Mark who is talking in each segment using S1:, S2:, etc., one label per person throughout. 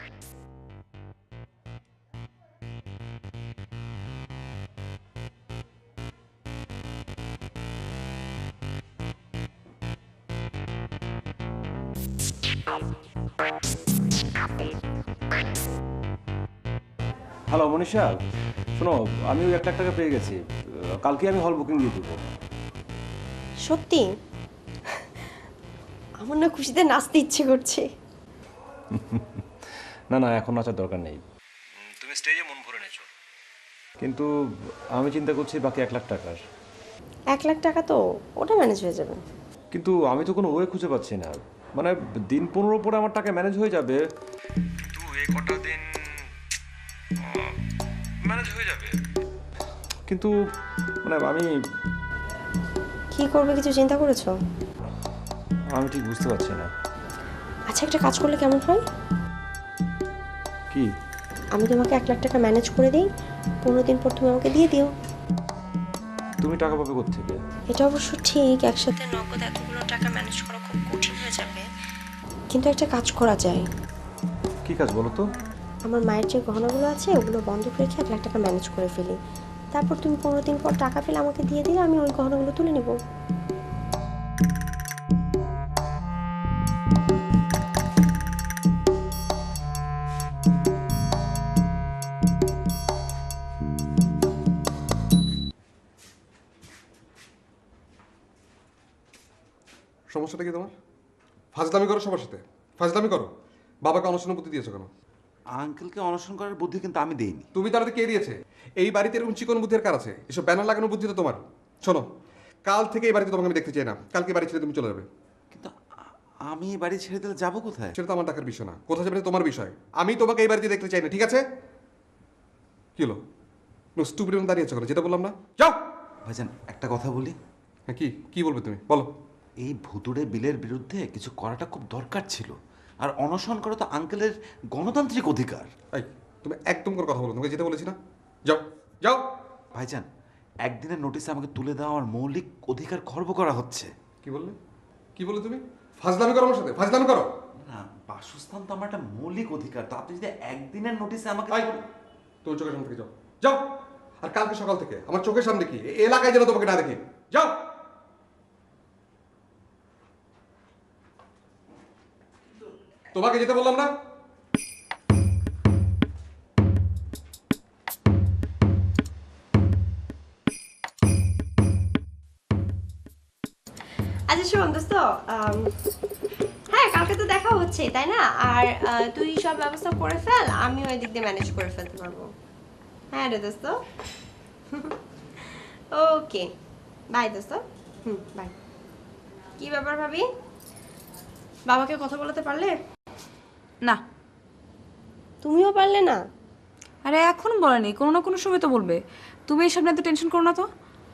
S1: Hello Manisha, শোনো, আমি ওই 1 লাখ টাকা পেয়ে গেছি। কালকে আমি হল বুকিং দিয়ে দেবো।
S2: সত্যি? আমার না খুশিতে নাচতে ইচ্ছে করছে।
S1: না না, এখন নাচার দরকার নেই। তুমি স্টেজে মন ভরে নেছো, কিন্তু আমি চিন্তা করছি বাকি 1 লাখ টাকার।
S2: 1 লাখ টাকা তো ওটা ম্যানেজ হয়ে যাবে।
S1: কিন্তু আমি তো কোনো ওয়ে খুঁজে পাচ্ছি না। মানে দিন 15 পরে আমার টাকা ম্যানেজ হয়ে যাবে, কিন্তু এই কটা দিন ম্যানেজ হয়ে যাবে, কিন্তু মানে আমি
S2: কি করবে কিছু চিন্তা করেছো?
S1: আমি ঠিক বুঝতে পারছি না।
S2: আচ্ছা, একটা কাজ করলে কেমন হয়?
S1: কি?
S2: আমি তোমাকে 1 লাখ টাকা ম্যানেজ করে দিই, 15 দিন পর তুমি আমাকে দিয়ে দিও।
S1: তুমি টাকা পাবে কোত্থেকে?
S2: এটা অবশ্য ঠিক, একসাথে নগদ এতগুলো টাকা ম্যানেজ করা খুব কঠিন হয়ে যাবে, কিন্তু একটা কাজ করা যায়।
S1: কি কাজ বলো তো?
S2: আমার মায়ের যে গহনাগুলো আছে ওগুলো বন্ধক রেখে 1 লাখ টাকা ম্যানেজ করে ফেলি, তারপর তুমি 15 দিন পর টাকা পেলে আমাকে দিয়ে দিলে আমি ওই গহনাগুলো তুলে নেব।
S3: সমস্যাটা কি তোমার? ফাজলামি করো সবার সাথে, ফাজলামি করো। বাবাকে অনশনের বুদ্ধি দিয়েছো কেন?
S4: আঙ্কেলকে অনশন করার বুদ্ধি কিন্তু আমি দেইনি।
S3: তুমি তার কে দিয়েছে? এই বাড়িতে এরকম চিকন বুদ্ধির কার আছে? এসব ব্যানার লাগানোর বুদ্ধি তো তোমার। শোনো, কাল থেকে এই বাড়িতে তোমাকে আমি দেখতে চাই না। কালকে বাড়ি ছেড়ে তুমি চলে যাবে।
S4: কিন্তু আমি এই বাড়ি ছেড়ে দিলে যাবো কোথায়?
S3: সেটা তো আমার টাকার বিষয় না, কোথায় যাবে তোমার বিষয়। আমি তোমাকে এই বাড়িতে দেখতে চাই না, ঠিক আছে? কি হলো? স্টুপিড দাঁড়িয়ে আছো কেন? যেটা বললাম না, যাও।
S4: ভাইজান একটা কথা বলি।
S3: হ্যাঁ, কি কি বলবে তুমি বলো?
S4: এই ভুতুড়ে বিলের বিরুদ্ধে কিছু করাটা খুব দরকার ছিল। আর অনশন করা তো আঙ্কেলের গণতান্ত্রিক অধিকার।
S3: এই, তুমি একদম করে কথা বলো, তোমাকে যেটা বলেছি না, যাও যাও।
S4: ভাইজান, একদিনের নোটিসে আমাকে তুলে দেওয়া আমার মৌলিক অধিকার খর্ব করা হচ্ছে।
S3: কি বললে? কি বললে তুমি? ফাজলামি করো আমার সাথে, ফাজলামি করো।
S4: না, বাসস্থান তো আমার একটা মৌলিক অধিকার। তো আপনি যদি একদিনের নোটিসে আমাকে
S3: তোর চোখের সামনে থেকে যাও, যাও। আর কালকে সকাল থেকে আমার চোখের সামনে কি এলাকায় যেন তোমাকে না দেখি, যাও। তোমাকে যেতে বললাম না?
S2: আচ্ছা শোন দোস্ত, হ্যাঁ কালকে তো দেখা হচ্ছে তাই না? আর তুই সব ব্যবস্থা করে ফেল, আমি ওই দিক দিয়ে ম্যানেজ করে ফেলতে পারবো। হ্যাঁ রে দোস্ত। ওকে, বাই দোস্ত। বাই। কি ব্যাপার ভাবি, বাবাকে কথা বলাতে পারলে?
S5: না।
S2: তুমিও পারলে না?
S5: আরে এখন বলেনি, কোনো না কোনো সময় তো বলবে। তুমি এইসব নিয়ে তো টেনশন করো না তো।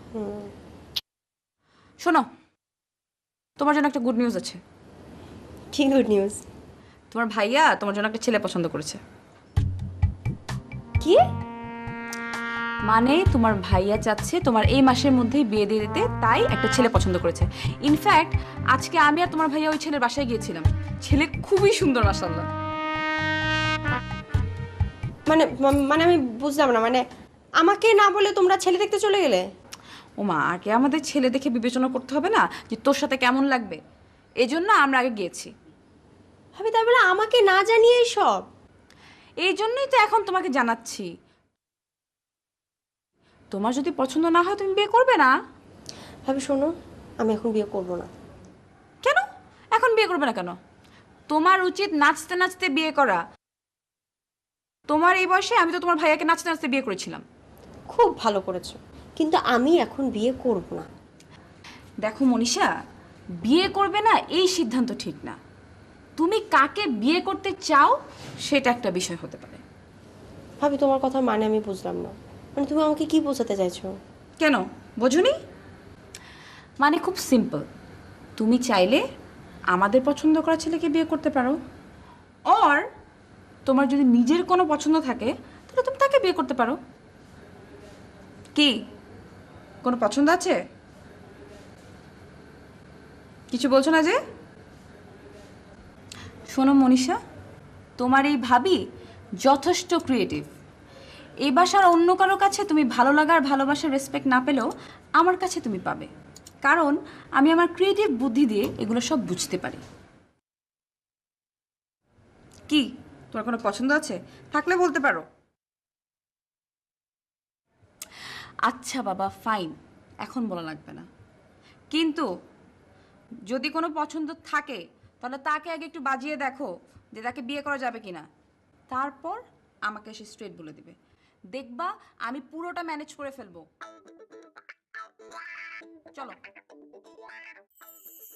S5: শোনো, তোমার জন্য একটা গুড নিউজ আছে।
S2: কি গুড নিউজ?
S5: তোমার ভাইয়া তোমার জন্য একটা ছেলে পছন্দ করেছে।
S2: কি
S5: মানে তোমার ভাইয়া চাচ্ছে তোমার এই মাসের মধ্যেই বিয়ে দিয়ে দিতে, তাই একটা ছেলে পছন্দ করেছে। ইনফ্যাক্ট আজকে আমি আর তোমার ভাইয়া ওই ছেলের বাসায় গিয়েছিলাম। ছেলে খুবই সুন্দর মাশাআল্লাহ।
S2: মানে মানে আমি বুঝলাম না, মানে আমাকে না বলে তোমরা ছেলে দেখতে চলে গেলে?
S5: ওমা, আগে আমাদের ছেলে দেখে বিবেচনা করতে হবে না যে তোর সাথে কেমন লাগবে? এই জন্য আমরা আগে গিয়েছি।
S2: ভাবি তাই বলে আমাকে না জানিয়ে সব?
S5: এই জন্যই তো এখন তোমাকে জানাচ্ছি। তোমার যদি পছন্দ না হয় তুমি বিয়ে করবে না।
S2: ভাবি শোনো, আমি এখন বিয়ে করব না।
S5: কেন এখন বিয়ে করবে না কেন? তোমার উচিত নাচতে নাচতে বিয়ে করা। তোমার এই বয়সে আমি তো তোমার ভাইয়াকে নাচতে নাচতে বিয়ে করেছিলাম।
S2: খুব ভালো করেছো, কিন্তু আমি এখন বিয়ে করব না।
S5: দেখো মনীষা, বিয়ে করবে না এই সিদ্ধান্ত ঠিক না। তুমি কাকে বিয়ে করতে চাও সেটা একটা বিষয় হতে পারে।
S2: ভাবি তোমার কথা মানে আমি বুঝলাম না, মানে তুমি আমাকে কি বোঝাতে চাইছো?
S5: কেন বোঝুনি? মানে খুব সিম্পল। তুমি চাইলে আমাদের পছন্দ করা ছেলেকে বিয়ে করতে পারো, অর তোমার যদি নিজের কোনো পছন্দ থাকে তাহলে তুমি তাকে বিয়ে করতে পারো। কি কোনো পছন্দ আছে? কিছু বলছো না যে? শোনো মনীষা, তোমার এই ভাবি যথেষ্ট ক্রিয়েটিভ। এই বাসার অন্য কারো কাছে তুমি ভালো লাগার ভালোবাসার রেসপেক্ট না পেলেও আমার কাছে তুমি পাবে, কারণ আমি আমার ক্রিয়েটিভ বুদ্ধি দিয়ে এগুলো সব বুঝতে পারি। কি তোমার কোনো পছন্দ আছে? থাকলে বলতে পারো। আচ্ছা বাবা ফাইন, এখন বলা লাগবে না, কিন্তু যদি কোনো পছন্দ থাকে তাহলে তাকে আগে একটু বাজিয়ে দেখো যে তাকে বিয়ে করা যাবে কিনা, তারপর আমাকে এসে স্ট্রেট বলে দিবে। দেখবা আমি পুরোটা ম্যানেজ করে ফেলবো। চলো।